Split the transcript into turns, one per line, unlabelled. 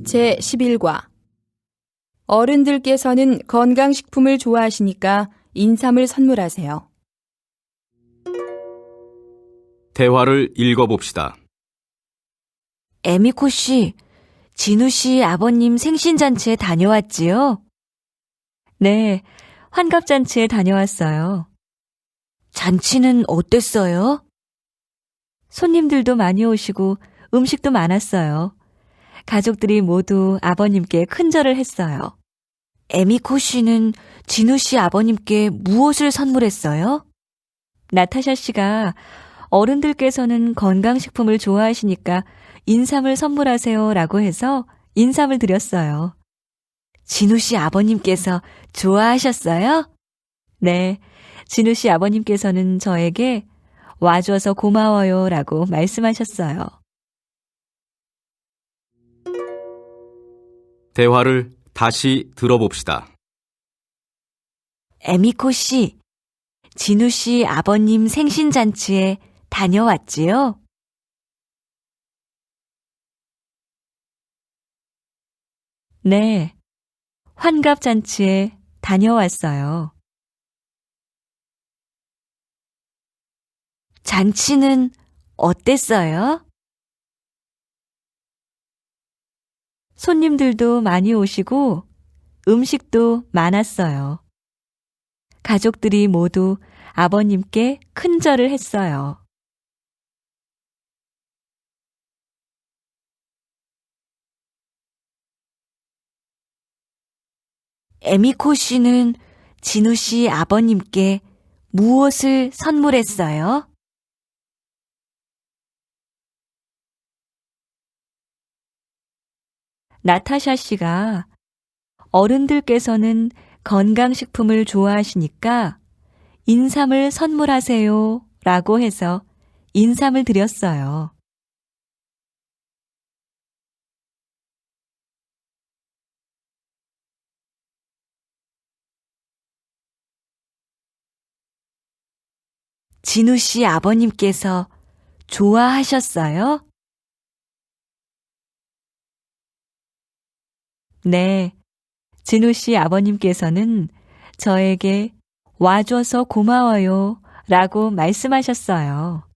제11과 어른들께서는 건강식품을 좋아하시니까 인삼을 선물하세요.
대화를 읽어봅시다.
에미코 씨, 진우 씨 아버님 생신잔치에 다녀왔지요? 네, 환갑잔치에 다녀왔어요. 잔치는 어땠어요? 손님들도 많이 오시고 음식도 많았어요. 가족들이 모두 아버님께 큰절을 했어요. 에미코 씨는 진우 씨 아버님께 무엇을 선물했어요? 나타샤 씨가 어른들께서는 건강식품을 좋아하시니까 인삼을 선물하세요 라고 해서 인삼을 드렸어요. 진우 씨 아버님께서 좋아하셨어요? 네, 진우 씨 아버님께서는 저에게 와줘서 고마워요 라고 말씀하셨어요.
대화를 다시 들어봅시다.
에미코 씨, 진우 씨 아버님 생신잔치에 다녀왔지요? 네, 환갑잔치에 다녀왔어요. 잔치는 어땠어요? 손님들도 많이 오시고 음식도 많았어요. 가족들이 모두 아버님께 큰절을 했어요. 에미코 씨는 진우 씨 아버님께 무엇을 선물했어요? 나타샤 씨가 어른들께서는 건강식품을 좋아하시니까 인삼을 선물하세요 라고 해서 인삼을 드렸어요. 진우 씨 아버님께서 좋아하셨어요? 네, 진우 씨 아버님께서는 저에게 와줘서 고마워요 라고 말씀하셨어요.